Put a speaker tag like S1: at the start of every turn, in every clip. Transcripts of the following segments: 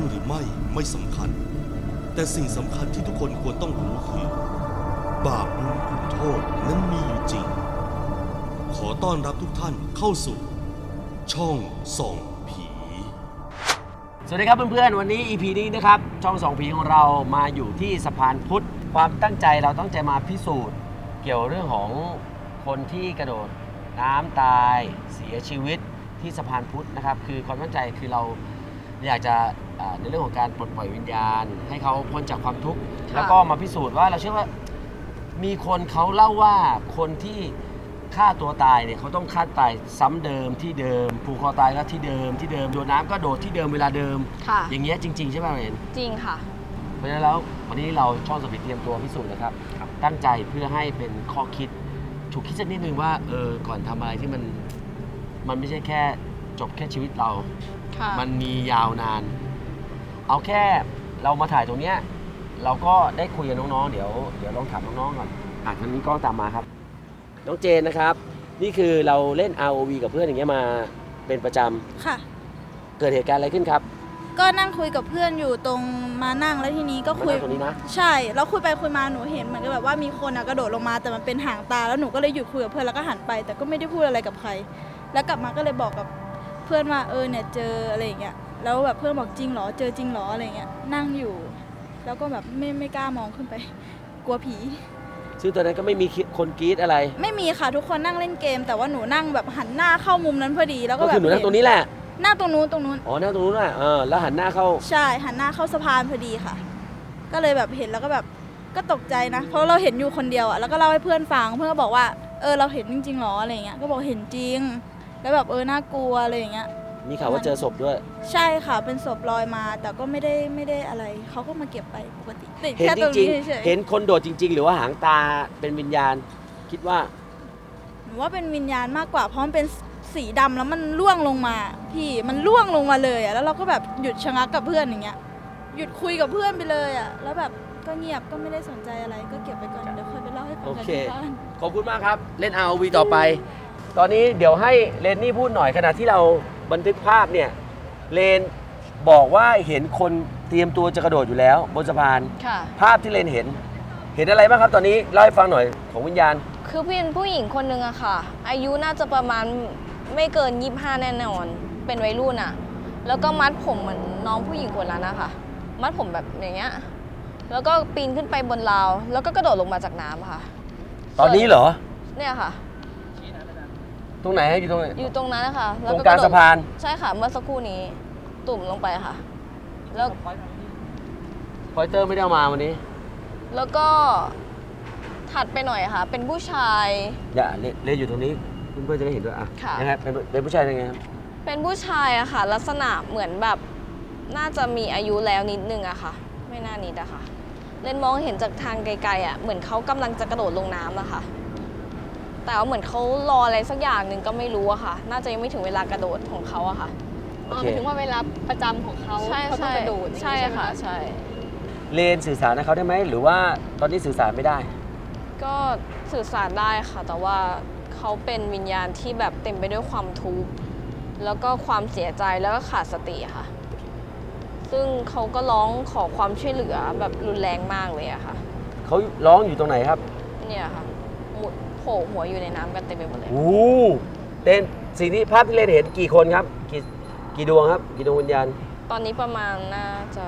S1: หรือไม่สำคัญแต่สิ่งสำคัญที่ทุกคนควรต้องรู้คือบาปบุญคุณโทษนั้นมีอยู่จริงขอต้อนรับทุกท่านเข้าสู่ช่องส่องผี
S2: สวัสดีครับเพื่อนๆวันนี้ EP นี้นะครับช่องส่องผีของเรามาอยู่ที่สะพานพุทธความตั้งใจเราตั้งใจมาพิสูจน์เกี่ยวเรื่องของคนที่กระโดดน้ำตายเสียชีวิตที่สะพานพุทธนะครับคือความตั้งใจคือเราอยากจะในเรื่องของการปลดปล่อยวิญญาณให้เขาพ้นจากความทุกข์แล้วก็มาพิสูจน์ว่าเราเชื่อว่ามีคนเขาเล่าว่าคนที่ฆ่าตัวตายเนี่ยเขาต้องฆ่าตายซ้ำเดิมที่เดิมผูกคอตายก็ที่เดิมโดดน้ำก็โดดที่เดิมเวลาเดิมอย่างเงี้ยจริงๆใช่ไหมเห็น
S3: จริงค่ะ
S2: เพราะฉะนั้นแล้ววันนี้เราช่องสปิดเตรียมตัวพิสูจน์นะครับตั้งใจเพื่อให้เป็นข้อคิดฉุกคิดสักนิดนึงว่าก่อนทำอะไรที่มันไม่ใช่แค่จบแค่ชีวิตเรามันมียาวนานเอาแค่เรามาถ่ายตรงเนี้ยเราก็ได้คุยกับน้องๆเดี๋ยวลองถามน้องๆก่อนทางนี้ก็ตามมาครับน้องเจนนะครับนี่คือเราเล่น ROV กับเพื่อนอย่างเงี้ยมาเป็นประจำ
S4: ค่ะ
S2: เกิดเหตุการณ์อะไรขึ้นครับ
S4: ก็นั่งคุยกับเพื่อนอยู่ตรงมานั่งแล้วทีนี้ก็คุย
S2: ตรงนี้นะ
S4: ใช่แล้วคุยไปคุยมาหนูเห็นเหมือนกับแบบว่ามีคนกระโดดลงมาแต่มันเป็นหางตาแล้วหนูก็เลยหยุดคุยกับเพื่อนแล้วก็หันไปแต่ก็ไม่ได้พูดอะไรกับใครแล้วกลับมาก็เลยบอกกับเพื่อนว่าเนี่ยเจออะไรอย่างเงี้ยแล้วแบบเพื่อนบอกจริงเหรอเจอจริงเหรออะไรเงี้ยนั่งอยู่แล้วก็แบบไม่กล้ามองขึ้นไปกลัวผี
S2: ซึ่งตอนนั้นก็ไม่มีคนกรี๊ดอะไร
S4: ไม่มีค่ะทุกคนนั่งเล่นเกมแต่ว่าหนูนั่งแบบหันหน้าเข้ามุมนั้นพอดีแล้วก็แบบ
S2: ก็คือหนูนั่งตรงนี้แหละ
S4: นั่งตรงนู้น
S2: อ๋อนั่งตรงนู้นอ่ะแล้วหันหน้าเข้า
S4: ใช่หันหน้าเข้าสะพานพอดีค่ะก็เลยแบบเห็นแล้วก็แบบก็ตกใจนะเพราะเราเห็นอยู่คนเดียวอ่ะแล้วก็เล่าให้เพื่อนฟังเพื่อนก็บอกว่าเราเห็นจริงๆหรออะไรเงี้ยก็บอกเห็นจริงแล้วแบบน่ากลัวอะไรอย่างเงี้ย
S2: มีข่าวว่าเจอศพด้วย
S4: ใช่ค่ะเป็นศพลอยมาแต่ก็ไม่ได้อะไรเขาก็มาเก็บไปปกติ
S2: เห็นจริงๆเห็นคนโดดจริงๆหรือว่าหางตาเป็นวิญญาณคิดว่า
S4: หนูว่าเป็นวิญญาณมากกว่าเพราะมันเป็นสีดำแล้วมันล่วงลงมาพี่มันล่วงลงมาเลยอ่ะแล้วเราก็แบบหยุดชะงักกับเพื่อนอย่างเงี้ยหยุดคุยกับเพื่อนไปเลยอ่ะแล้วแบบก็เงียบก็ไม่ได้สนใจอะไรก็เก็บไปก่อนเดี๋ยวค่อยไปเล่าให้ฟังกันที่บ้าน
S2: ขอบคุณมากครับเล่น ROV ต่อไปตอนนี้เดี๋ยวให้เลนนี่พูดหน่อยขณะที่เราบันทึกภาพเนี่ยเลนบอกว่าเห็นคนเตรียมตัวจะกระโดดอยู่แล้วบนสะพานภาพที่เลนเห็นอะไรบ้างครับตอนนี้เล่าให้ฟังหน่อยของวิญญาณ
S3: คือเป็นผู้หญิงคนนึงอะค่ะอายุน่าจะประมาณไม่เกิน25แน่นอนเป็นวัยรุ่นอะแล้วก็มัดผมเหมือนน้องผู้หญิงคนนั้นนะคะมัดผมแบบอย่างเงี้ยแล้วก็ปีนขึ้นไปบนราวแล้วก็กระโดดลงมาจากน้ำค่ะ
S2: ตอนนี้เหรอ
S3: เนี่ยค่ะ
S2: ตรงไหนอยู่ตรงไหน
S3: อยู่ตรงนั้นนะคะ
S2: ตรงกลางสะพาน
S3: ใช่ค่ะเมื่อสักครู่นี้ตุ่มลงไปค่ะแล้ว
S2: พอยเตอร์ไม่ได้เอามาวันนี้
S3: แล้วก็ถัดไปหน่อยค่ะเป็นผู้ชาย
S2: อย่าเล่นอยู่ตรงนี้เพื่อนๆจะได้เห็นด้วยยังไงเป็นผู้ชายยังไงครับ
S3: เป็นผู้ชายอะค่ะลักษณะเหมือนแบบน่าจะมีอายุแล้วนิดนึงอะค่ะไม่น่านิดอะค่ะเล่นมองเห็นจากทางไกลๆอะเหมือนเขากำลังจะกระโดดลงน้ำอะค่ะแต่ว่าเหมือนเขารออะไรสักอย่างหนึ่งก็ไม่รู้อะค่ะน่าจะยังไม่ถึงเวลากระโดดของเขาอะค่ะ
S4: หมายถึงว่าเวลาประจำของเขาเขาต้องกระโดด
S3: ใช่ค่ะใช่
S2: เลนสื่อสารกับเขาได้ไหมหรือว่าตอนนี้สื่อสารไม่ได้
S3: ก็สื่อสารได้ค่ะแต่ว่าเขาเป็นวิญญาณที่แบบเต็มไปด้วยความทุกข์แล้วก็ความเสียใจแล้วก็ขาดสติค่ะซึ่งเขาก็ร้องขอความช่วยเหลือแบบรุนแรงมากเลยอะค่ะ
S2: เขาร้องอยู่ตรงไหนครับ
S3: เนี่ยค่ะโผล่หัวอยู่ในน้ำกันเต็มไปหมดเลย
S2: โอ้เต้นสิ่งที่ภาพที่เลนเห็นกี่คนครับกี่ดวงครับกี่ดวงวิญญาณ
S3: ตอนนี้ประมาณน่าจะ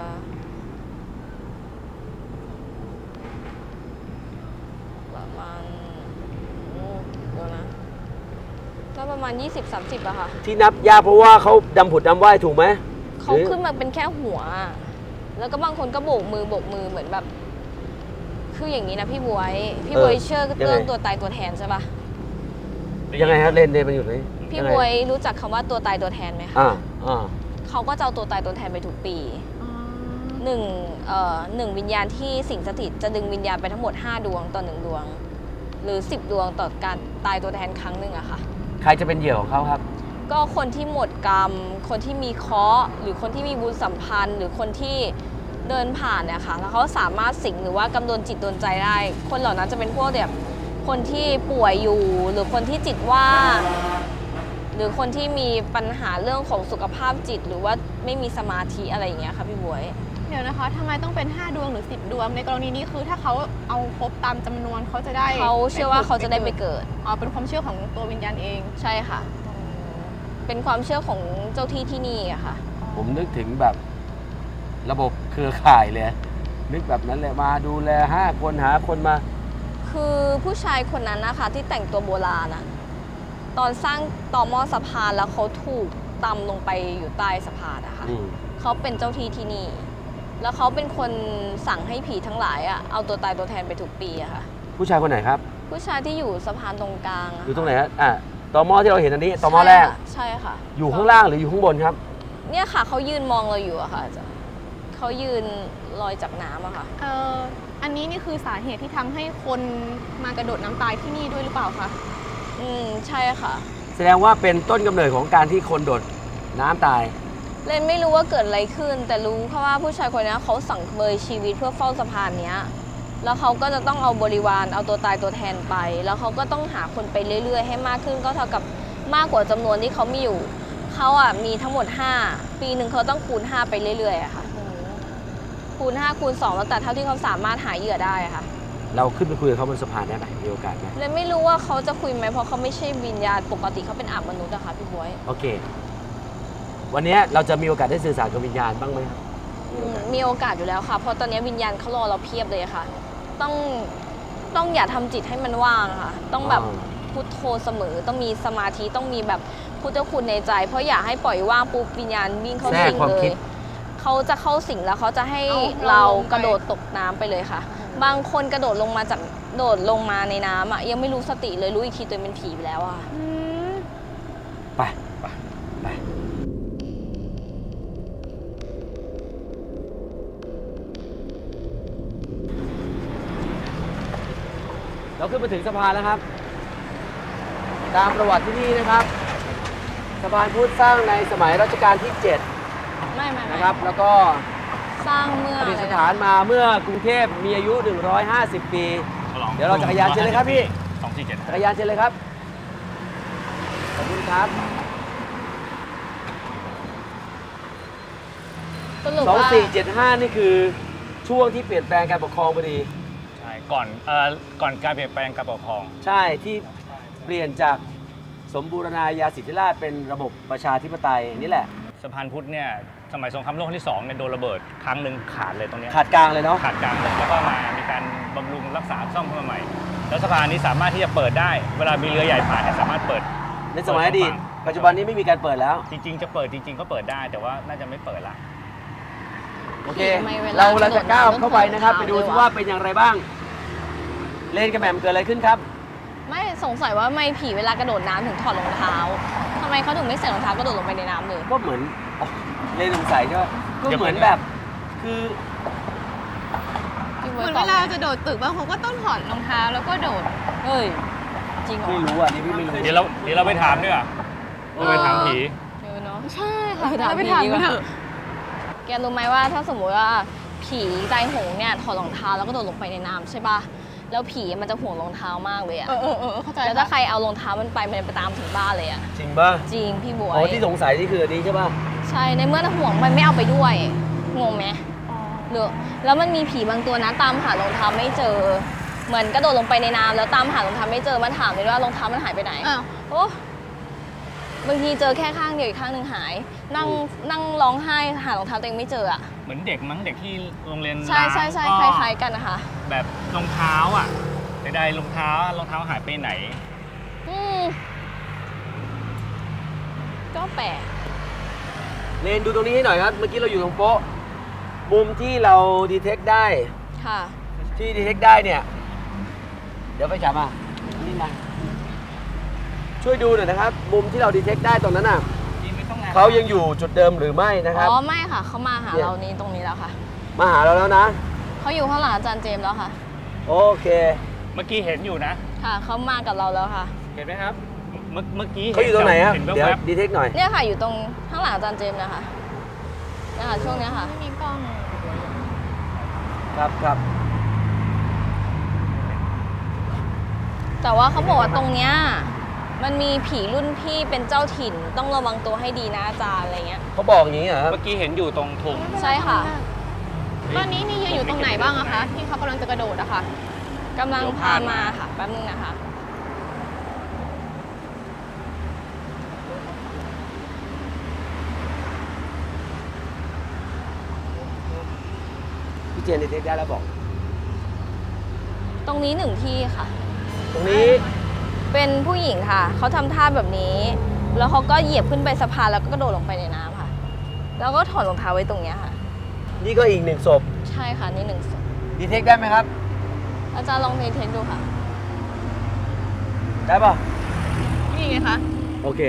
S3: ประมาณเดี๋ยวนะก็ประมาณ20-30อะค่ะ
S2: ที่นับยากเพราะว่าเขาดำผุดดำว่ายถูกไหม
S3: เขาขึ้นมาเป็นแค่หัวแล้วก็บางคนก็โบกมือเหมือนแบบคืออย่างนี้นะพี่บวยเชื่อเรื่องตัวตายตัวแทนใช่ปะ
S2: ยังไงครับเล่นมันอยู่ไหน
S3: พี่บวยรู้จักคำว่าตัวตายตัวแทนไหมคะเขาก็จะเอาตัวตายตัวแทนไปทุกปีหนึ่งวิญญาณที่สิงสถิตจะดึงวิญญาณไปทั้งหมด5 ดวงต่อ1 ดวงหรือ10 ดวงต่อการตายตัวแทนครั้งหนึ่งอะค่ะ
S2: ใครจะเป็นเหยื่อของเขาครับ
S3: ก็คนที่หมดกรรมคนที่มีเคราะห์หรือคนที่มีบุญสัมพันธ์หรือคนที่เดินผ่านเนี่ยค่ะแล้วเขาสามารถสิงหรือว่ากำโดนจิตโดนใจได้คนเหล่านั้นจะเป็นพวกแบบคนที่ป่วยอยู่หรือคนที่จิตว่างหรือคนที่มีปัญหาเรื่องของสุขภาพจิตหรือว่าไม่มีสมาธิอะไรอย่างเงี้ยค่ะพี่บวย
S5: เดี๋ยวนะคะทำไมต้องเป็น 5 ดวงหรือ 10 ดวง ในกรณีนี้คือถ้าเขาเอาครบตามจำนวนเขาจะได้
S3: เขาเชื่อว่าเขาจะได้ไปเกิด
S5: อ๋อเป็นความเชื่อของตัววิญญาณเอง
S3: ใช่ค่ะ เป็นความเชื่อของเจ้าที่ที่นี่อะค่ะ
S2: ผมนึกถึงแบบระบบเครือข่ายเลย นึกแบบนั้นเลยมาดูแล5 คนหาคนมา
S3: คือผู้ชายคนนั้นนะคะที่แต่งตัวโบราณอะตอนสร้างต่อหม้อสะพานแล้วเขาถูกตำลงไปอยู่ใต้สะพานนะคะ
S2: อืม
S3: เขาเป็นเจ้าที่ที่นี่ แล้วเขาเป็นคนสั่งให้ผีทั้งหลายอะเอาตัวตายตัวแทนไปทุกปีอะค่ะ
S2: ผู้ชายคนไหนครับ
S3: ผู้ชายที่อยู่สะพานตรงกลางะ
S2: อยู่ตรงไหนฮะตอมอที่เราเห็นอันนี้ตอมอแรก
S3: ใช่ค่ะ
S2: อยู่ข้างล่างหรืออยู่ข้างบนครับ
S3: เนี่ยค่ะเขายืนมองเราอยู่อะค่ะอาจารย์เขายืนลอยจากน้ำอะค่ะ
S5: อันนี้นี่คือสาเหตุที่ทำให้คนมากระโดดน้ำตายที่นี่ด้วยหรือเปล่าคะ
S3: ใช่ค่ะ
S2: แสดงว่าเป็นต้นกำเนิดของการที่คนโดดน้ำตาย
S3: เรนไม่รู้ว่าเกิดอะไรขึ้น แต่รู้แค่ว่าผู้ชายคนนี้เขาสังเวยชีวิตเพื่อเฝ้าสะพานเนี้ย แล้วเขาก็จะต้องเอาบริวารเอาตัวตายตัวแทนไป แล้วเขาก็ต้องหาคนไปเรื่อยๆ ให้มากขึ้นก็เท่ากับมากกว่าจำนวนที่เขามีอยู่เขาอ่ะมีทั้งหมด 5 ปีหนึ่งเขาต้องคูณ 5 ไปเรื่อยๆอะค่ะคูณ 5 คูณ 2 แล้วแต่เท่าที่เขาสามารถหาเหยื่อได้อะค่ะ
S2: เราขึ้นไปคุยกับเขาบนสะพานได้ไหมมีโอกาสไหม
S3: เรนไม่รู้ว่าเขาจะคุยไหมเพราะเขาไม่ใช่วิญญาณปกติเขาเป็นอาบมนุษย์อะค่ะพี่บวย
S2: โอเค วันนี้เราจะมีโอกาสได้สื่อสารกับวิญญาณบ้างไหมครับ
S3: มีโอกาสอยู่แล้วค่ะ เพราะตอนนี้วิญญาณเขารอเราเพียบเลยค่ะ ต้องอย่าทำจิตให้มันว่างค่ะ ต้องแบบพุทโธเสมอ ต้องมีสมาธิ ต้องมีแบบพุทธคุณในใจ เพราะอย่าให้ปล่อยว่างปุ๊บวิญญาณวิ่งเข้าสิงเลย เขาจะเข้าสิงแล้วเขาจะให้เรากระโดดตกน้ำไปเลยค่ะ บางคนกระโดดลงมาในน้ำอ่ะยังไม่รู้สติเลยรู้อีกทีตัวเองเป็นผีไปแล้วอ่ะ
S2: ไปไปเราขึ้นมาถึงสะพานแล้วครับ ตามประวัติที่นี่นะครับ สะพานพุทธสร้างในสมัยรัชกาลที่ 7
S3: ไม่
S2: นะครับ แล้วก็
S3: สร้างเมื่อ
S2: ประดิษฐานมาเมื่อกรุงเทพมีอายุ 150 ปี เดี๋ยวเราจักรยานเชิญเลยครับพี่
S6: 247
S2: จักรยานเชิญเลยครับ ขอบคุณครับ
S3: สรุปว่า
S2: 2475 นี่คือช่วงที่เปลี่ยนแปลงการปกครองพอดี
S6: ใช่ก่อนการเปลี่ยนแปลงการปกครอง
S2: ใช่ที่เปลี่ยนจากสมบูรณาญาสิทธิราชย์เป็นระบบประชาธิปไตยนี่แหละ
S6: สะพานพุทธเนี่ยสมัยสงครามโลกครั้งที่2เนี่ยโดนระเบิดครั้งหนึ่งขาดเลยตรงเนี้ย
S2: ขาดกลางเลยเนาะ
S6: ขาดกลางเลยแล้วก็มีการบำรุงรักษาซ่อมขึ้นมาใหม่ แล้วสะพานนี้สามารถที่จะเปิดได้ เวลามีเรือใหญ่ผ่านเนี่ยสามารถเปิด
S2: ในสมัยอดีตปัจจุบันนี้ไม่มีการเปิดแล้ว
S6: จริงๆจะเปิดจริงๆก็เปิดได้ แต่ว่าน่าจะไม่เปิดละ
S2: โอเค
S3: ทำไมเวลา
S2: เราจะก้าวเข้าไปนะครับ
S3: ก
S2: ไประ
S3: โด
S2: ดู
S3: ดน้ำ
S2: ซิว่าเป็นอย่างไรบ้าง เลนกับแหม่มเกิดอะไรขึ้นครับ
S3: ไม่สงสัยว่าไม่ผีเวลากระโดดน้ำถึงถอดรองเท้าทำไมเขาถึงไม่ใส่รองเท้ากระโดดลงไปในน้ำเลย
S2: ก็เหมือนอ๋อเลนสงสัยใช่ไหมก็เหมือนแบบ คือ
S3: พี่
S5: เห
S3: บ๊
S5: มื
S3: ย
S5: อน
S3: ต
S5: เว
S3: อบ
S5: ลาจะโดดตึกบางคนก็ต้องถอดรองเท้าแล้วก็โดด
S3: เฮ้ย จริงเหรอ
S2: ไม่รู้อ่ะนี่พี่ไม่รู้
S6: เดี๋ยวเราไปถามด้วยเราไปถามผี
S3: เออเนาะ
S5: ใช่ค่ะ
S3: เราไปถามกันเถอะ แกรู้ไหมว่าถ้าสมมติว่าผีตายโหงเนี่ยถอดรองเท้าแล้วก็โดดลงไปในน้ำใช่ป่ะ แล้วผีมันจะห่วงรองเท้ามากเลยอะ
S5: เข้าใจ
S3: แล้วถ้าใครเอารองเท้ามันไปมันจะไปตามถึงบ้านเลยอะ
S2: จริงป่ะ
S3: จริงพี่บว
S2: อ๋อย ที่สงสัยนี่คืออันนี้ใช่ป่ะ
S3: ใช่ ในเมื่อห่วงมันไม่เอาไปด้วยงงไหมหรือแล้วมันมีผีบางตัวนะตามหารองเท้าไม่เจอ เหมือนกระโดดลงไปในน้ำแล้วตามหารองเท้าไม่เจอมาถามเลยว่ารองเท้ามันหายไปไหน
S5: อ้าว
S3: โอ้บางทีเจอแค่ข้างเดียวอีกข้างหนึ่งหาย นั่งร้องไห้หารองเท้าตัวเองไม่เจออะ
S6: เหมือนเด็กมั้งเด็กที่โรงเรียน
S3: ใช่
S6: ก็
S3: คล้ายๆกันนะคะ
S6: แบบรองเท้าอ่ะใดๆรองเท้าหายไปไหน
S3: อืมก็แปลก
S2: เลนดูตรงนี้ให้หน่อยครับ เมื่อกี้เราอยู่ตรงโป๊ะ มุมที่เราดีเทคได้
S3: ค่ะ
S2: ที่ดีเทคได้เนี่ย เดี๋ยวไปจับมานี่มา ช่วยดูหน่อยนะครับ มุมที่เราดีเทคได้ตรงนั้นน่ะเขายังอยู่จุดเดิมหรือไม่นะครับ
S3: อ๋อไม่ค่ะเขามาหาเรานี้ตรงนี้แล้วค่ะ
S2: มาหาเราแล้วนะ
S3: เขาอยู่ข้างหลังอาจารย์เจมส์แล้วค่ะ
S2: โอเค
S6: เมื่อกี้เห็นอยู่นะ
S3: ค่ะเขามากับเราแล้วค่ะ
S6: เห็นไหมครับ เมื่อกี้
S2: เขาอยู่ตรงไหนครับ
S6: เห็น
S2: เดี๋ยว
S6: แวบ
S2: ดีเทคหน่อย
S3: เนี่ยค่ะอยู่ตรงข้างหลังอาจารย์เจมส์นะคะนะคะช่วงเนี้ยค่ะ
S5: ไม่มีกล้อง
S2: ครับครับ
S3: แต่ว่าเขาบอกว่าตรงเนี้ยมันมีผีรุ่นพี่เป็นเจ้าถิ่นต้องระวังตัวให้ดีนะอาจารย์อะไรเงี้ย
S2: เขาบอกอย่างนี้เหรอครับ
S6: เมื่อกี้เห็นอยู่ตรงธง
S3: ใช่ค่ะ
S5: ตอนนี้นี่ยืนอยู่ตรงไหนบ้างอะคะ ที่เขากำลังจะกระโดดอะค่ะ
S3: กำลังพามาค่ะแป๊บนึงนะคะ
S2: พี่เจนเทคได้แล้วบอก
S3: ตรงนี้หนึ่งที่ค่ะ
S2: ตรงนี้
S3: เป็นผู้หญิงค่ะ เขาทำท่าแบบนี้ แล้วเขาก็เหยียบขึ้นไปสะพานแล้วก็กระโดดลงไปในน้ำค่ะ แล้วก็ถอดรองเท้าไว้ตรงเนี้ยค่ะ
S2: นี่ก็อีกหนึ่งศพ
S3: ใช่ค่ะนี่หนึ่งศพ
S2: ดีเทคได้ไหมครับ
S3: อาจารย์ลองเทคดูค่ะ
S2: ได้ป่ะ
S5: นี่ไงคะ
S2: โอเค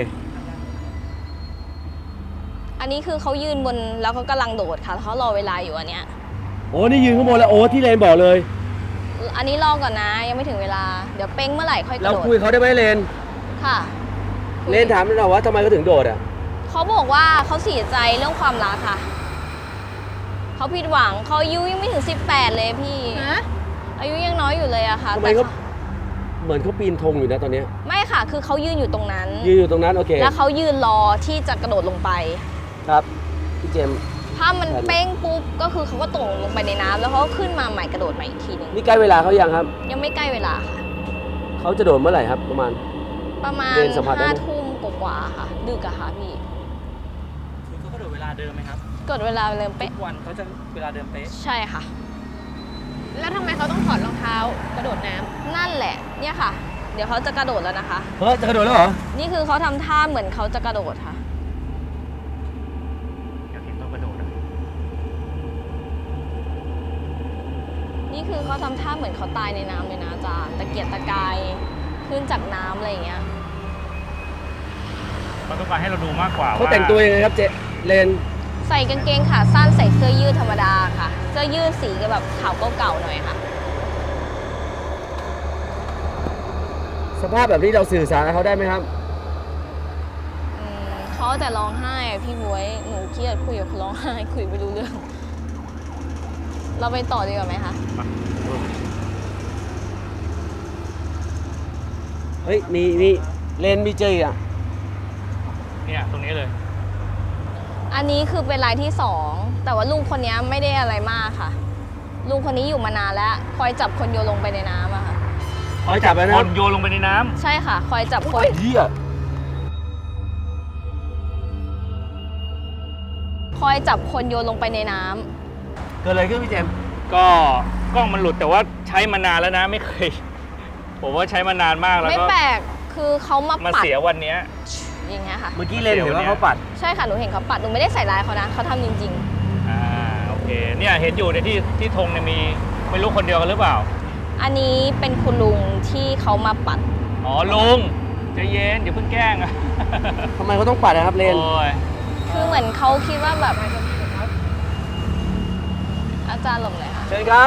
S3: อันนี้คือเขายืนบนแล้วเขากำลังโดดค่ะแล้วเขารอเวลาอยู่อันเนี้ย
S2: โอ้นี่ยืนข้างบนแล้วโอ้ที่เลนบอกเลย
S3: อันนี้รอก่อนนะยังไม่ถึงเวลา เดี๋ยวเป้งเมื่อไหร่ค่อยก
S2: เรา
S3: ระโดด
S2: คุยเขาได้ไหมเลน
S3: ค่ะ
S2: เลนถามเราว่าทำไมเขาถึงโดดอ่ะ
S3: เขาบอกว่าเขาเสียใจเรื่องความรักค่ะ เขาผิดหวังเขาอายุยังไม่ถึง 18 เลยพี่
S5: ฮะ
S3: อายุยังน้อยอยู่เลยอะค่ะ
S2: ทำไมเขาเหมือนเขาปีนธงอยู่นะตอนเนี้ย
S3: ไม่ค่ะ คือเขายืนอยู่ตรงนั้น
S2: ยืนอยู่ตรงนั้นโอเค
S3: แล้วเขายืนรอที่จะกระโดดลงไป
S2: ครับพี่เจมส์
S3: ถ้ามันเป้งปุ๊บก็คือเขาก็ตกลงไปในน้ำแล้วเขาก็ขึ้นมาใหม่กระโดดใหม่อีกทีหนึง
S2: นี่ใกล้เวลาเขายังครับ
S3: ยังไม่ใกล้เวลาค่ะ
S2: เขาจะโดดเมื่อไหร่ครับประมาณ
S3: ประมาณ
S2: เดินสัมผัสได้ไหม
S3: 5 ทุ่มกว่าๆค่ะ ดึกอะค่ะพี่
S7: คือเขากระโดดเวลาเดิมไหมครับ
S3: กดเวลาเริ่มเป๊ะ
S7: ทุกวันเขาจะเวลาเดิมเป๊ะ
S3: ใช่ค่ะ
S5: แล้วทำไมเขาต้องถอดรองเท้ากระโดดน้ำ
S3: นั่นแหละ เนี่ยค่ะ เดี๋ยวเขาจะกระโดดแล้วนะคะ
S2: เฮ้ยจะกระโดดแล้วเหรอ
S3: นี่คือเขาทำท่าเหมือนเขาจะกระโดดค่ะ
S6: อยากเห็นตัวกระโดดอะ
S3: นี่คือเขาทำท่าเหมือนเขาตายในน้ำเลยนะอาจารย์ตะเกียกตะกายขึ้นจากน้ำอะไรอย่างเงี้ย
S6: เขาต้องการให้เราดูมากกว่า
S2: เขาแต่งตัวยังไงครับเจเลน
S3: ใส่กางเกงขาสั้นใส่เสื้อยืดธรรมดาค่ะ เสื้อยืดสีก็แบบขาวเก่าๆหน่อยค่ะ
S2: สภาพแบบนี้เราสื่อสารกับเขาได้ไหมครับ
S3: เขาแต่ร้องไห้อะพี่บวยหนูเครียดคุยกับเขาร้องไห้คุยไม่รู้เรื่อง เราไปต่อดีกว่าไหมคะ
S2: เฮ้ยมีเลนมีเจออีกอ่ะ
S6: เนี่ยตรงนี้เลย
S3: อันนี้คือเป็นรายที่ 2 แต่ว่าลุงคนนี้ไม่ได้อะไรมากค่ะ ลุงคนนี้อยู่มานานแล้ว คอยจับคนโยนลงไปในน้ำอะค่ะ
S2: คอยจับแล้วนะ
S6: คนโยนลงไปในน้ำ
S3: ใช่ค่ะ คอยจับคน
S2: เฮีย
S3: คอยจับคนโยนลงไปในน้ำ
S2: เกิดอะไรขึ้นพี่เจมส์
S6: ก็กล้องมันหลุดแต่ว่าใช้มานานแล้วนะไม่เคย ผมว่าใช้มานานมากแล้ว
S3: ไม่
S6: ก็
S3: แปลก คือเขามา
S6: มา
S3: ปัด
S6: เสียวันเนี้ย
S3: อย่างเงี้ยค่ะ
S2: เมื่อกี้เลนเห็นว่าเขาปัด
S3: ใช่ค่ะ หนูเห็นเขาปัด หนูไม่ได้ใส่ร้ายเขานะ เขาทำจริง
S6: โอเคเนี่ยเห็นอยู่ในที่ธงเนี่ยมีไม่รู้คนเดียวกันหรือเปล่า
S3: ๆ อันนี้เป็นคุณลุงที่เขามาปัด
S6: อ๋อลุงใจเย็นอย่าเพิ่งแกล้งอะ
S2: ทำไมเขาต้องปัดนะครับเลน
S6: โอ้ย
S3: คือเหมือนเขาคิดว่าแบบ อาจารย์หลบเลยค่ะ
S2: เชิญครับ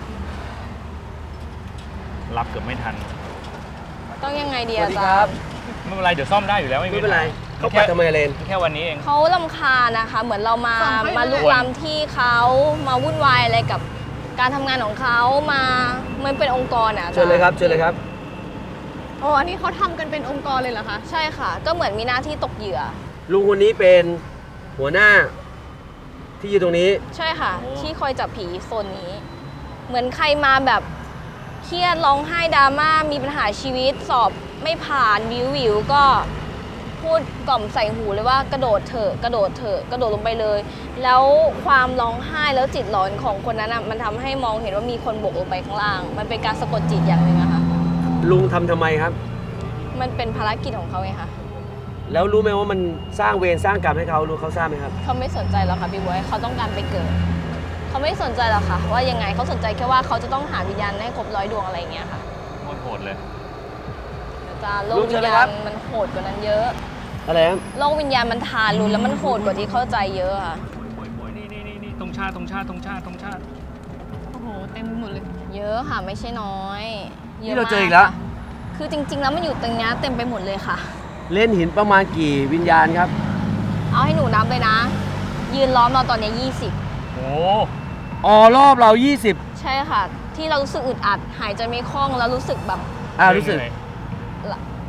S6: รับเกือบไม่ทัน
S3: ต้องยังไงดี
S2: สวั
S3: อา
S2: สดี
S3: จา
S2: ครั
S3: ร
S2: บ
S3: ย์
S6: ไม่เป็นไรเดี๋ยวซ่อมได้อยู่แล้วไม่
S2: ไม่เป็นไร
S6: ปัญห
S2: เขาปัดทำไมเลน
S6: แค่วันนี้เอง
S3: เขาลำคาญนะคะ เหมือนเรามา
S5: ฟังเขาอยู่
S3: มาลุก
S6: เลย
S3: ล้ำที่เขามาวุ่นวายอะไรกับการทำงานของเขามามันเป็นองค์กรอ่ะอาจา
S2: เชิญเลยครับเชิญเลยครับ
S5: อ๋อ อันนี้เขาทำกันเป็นองค์กรเลยเหรอคะ
S3: ใช่ค่ะ ก็เหมือนมีหน้าที่ตกเหยื่อ
S2: ลุงคนนี้เป็นหัวหน้า ที่อยู่ตรงนี้
S3: ใช่ค่ะ
S6: โอ้
S3: ที่คอยจับผีโซนนี้ เหมือนใครมาแบบเครียดร้องไห้ดราม่ามีปัญหาชีวิตสอบไม่ผ่านวิวก็พูดกล่อมใส่หูเลยว่ากระโดดเถอะกระโดดเถอะกระโดดลงไปเลย แล้วความร้องไห้แล้วจิตหลอนของคนนั้นอ่ะมันทำให้มองเห็นว่ามีคนบกลงไปข้างล่าง มันเป็นการสะกดจิตอย่างหนึ่งอะค่ะ
S2: ลุงทำไมครับ
S3: มันเป็นภารกิจของเขาไงคะ
S2: แล้วรู้ไหมว่ามันสร้างเวรสร้างกรรมให้เขารู้เขาทราบไหมครับ
S3: เขาไม่สนใจหรอกค่ะพี่บวยเขาต้องการไปเกิดเขาไม่สนใจหรอกค่ะ ว่ายังไงเขาสนใจแค่ว่าเขาจะต้องหาวิญญาณให้ครบ100 ดวงอะไรอย่างเงี้ยค่ะ
S6: โหดเลย
S3: อาจารย์โล
S2: ลุ
S3: ก
S2: งเชิ
S3: วิ
S2: ญเลย
S3: ญ
S2: ครั
S3: ญา
S2: บ
S3: ณมันโหดกว่านั้นเยอะ
S2: อะไรครับ
S3: โลกวิญญาณมันทารุณแล้วมันโหดกว่าที่เข้าใจเยอะค่ะ
S6: นี่ตรงชาติ
S5: โอ้โห เต็มไปหมดเลย
S3: เยอะค่ะไม่ใช่น้อยยะ
S2: นี่เราเจออีกแล้ว
S3: ค่ะคือจริง ๆ แล้วมันอยู่ตรงเนี้ยเต็มไปหมดเลยค่ะ
S2: เล่นหินประมาณกี่วิญญาณครับ
S3: เอาให้หนูนับเลยนะ ยืนล้อมเราตอนเนี้ย
S6: โอ้
S2: อ๋อรอบเรา
S3: 20 ใช่ค่ะ ที่เรารู้สึกอึดอัดหายใจไม่คล่องแล้วรู้สึกแบบ
S2: 20รู้สึก
S3: ก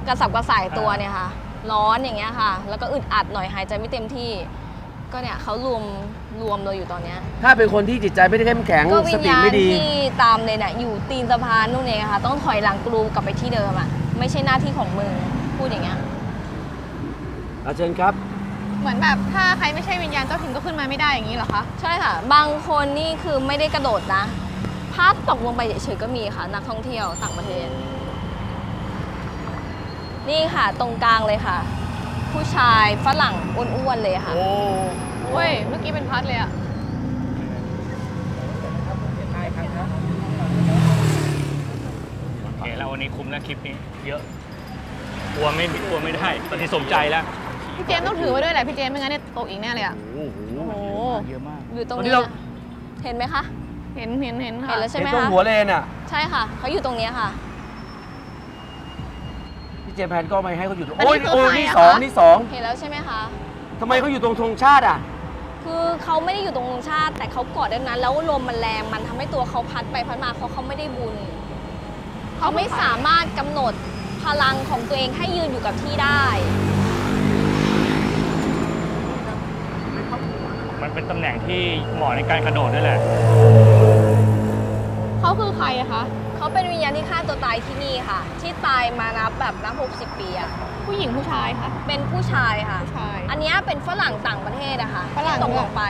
S3: กระสับกระส่ายตัวเนี่ยค่ะ ร้อนอย่างเงี้ยค่ะ แล้วก็อึดอัดหน่อยหายใจไม่เต็มที่ ก็เนี่ยเขารวมเราอยู่ตอนเนี้ย
S2: ถ้าเป็นคนที่จิตใจไม่ได้เข้มแข็ง
S3: ก็วิ
S2: ส
S3: ญ
S2: ติ
S3: ญาณ
S2: ไม่ดี
S3: ที่ตามเลยเนี่ยอยู่ตีนสะพานนู่นเองค่ะ ต้องถอยหลังกรูกลับไปที่เดิมอ่ะ ไม่ใช่หน้าที่ของมึงพูดอย่างเงี้ย
S2: อาเชิญครับ
S5: เหมือนแบบถ้าใครไม่ใช่วิญญาณเจ้าถิ่นก็ขึ้นมาไม่ได้อย่างนี้เหรอคะ
S3: ใช่ค่ะ บางคนนี่คือไม่ได้กระโดดนะพลาดตกลงไปเฉยๆก็มีค่ะ นักท่องเที่ยวต่างประเทศ นี่ค่ะตรงกลางเลยค่ะ ผู้ชายฝรั่งอ้วนๆเลยค่ะ
S5: เว้ย เมื่อกี้เป็นพัดเลยอะ
S6: โอเคแล้ววันนี้คุ้มแล้วคลิปนี้เยอะกลัวไม่ได้ตอนนี้สมใจแล้ว
S5: พี่เจมส์ต้องถือไว้ด้วยแหละพี่เจมส์ไม่งั้นเนี่ยตกอีกแน่เลยอะ
S6: โอ้โห
S5: โอ้โห
S6: เยอะมาก
S3: อยู่ตรง
S2: วันนี้
S3: นี้
S2: เรา
S3: นะเห็นไหมคะ
S5: เห็น
S3: เห็น
S5: ค่ะ
S3: แล้วใช่ไหม
S2: ตรง
S3: คะ
S2: หัวเลนอ่ะ
S3: ใช่ค่ะ เขาอยู่ตรงเนี้ยค่ะ
S2: พี่เจมส์แพนก็ไม่ให้เขาอยู่ตรง
S5: อันนี้
S2: โอ้ย
S5: คือใคร
S2: นี่
S5: อะ
S2: สอง
S5: คะ
S2: นี่สอง
S3: เห็นแล้วใช่ไหมคะ
S2: ทำไมเขาอยู่ตรงธงชาติอ่ะ
S3: คือเขาไม่ได้อยู่ตรงธงชาติ แต่เขาเกาะด้านนั้น แล้วลมมันแรงมันทำให้ตัวเขาพัดไปพัดมาเขาไม่ได้บุญ เขาไม่สามารถกำหนดพลังของตัวเองให้ยืนอยู่กับที่ได้
S6: มันเป็นตำแหน่งที่เหมาะในการกระโดดด้วยแหละ
S5: เขาคือใครอะคะ
S3: เขาเป็นวิญญาณที่ฆ่าตัวตายที่นี่ค่ะ ที่ตายมานับ60 ปีอะ
S5: ผู้หญิงผู้ชายคะ
S3: เป็นผู้ชายค่ะ
S5: ผู้ชาย
S3: อันเนี้ยเป็นฝรั่งต่างประเทศอะค่ะ
S5: ฝรั่ง
S3: ที่ตกลงไป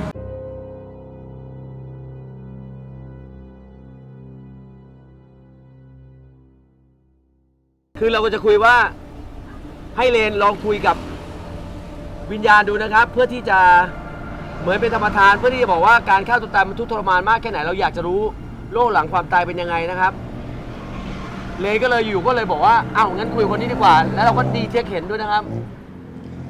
S2: คือเราก็จะคุยว่าให้เลนลองคุยกับวิญญาณดูนะครับ เพื่อที่จะเหมือนเป็นธรรมทาน เพื่อที่จะบอกว่าการฆ่าตัวตายมันทุกข์ทรมานมากแค่ไหนเราอยากจะรู้โลกหลังความตายเป็นยังไงนะครับ เลนก็เลยอยู่ก็เลยบอกว่าอ้าวงั้นคุยกับคนนี้ดีกว่า แล้วเราก็ดีเทคเห็นด้วยนะครับ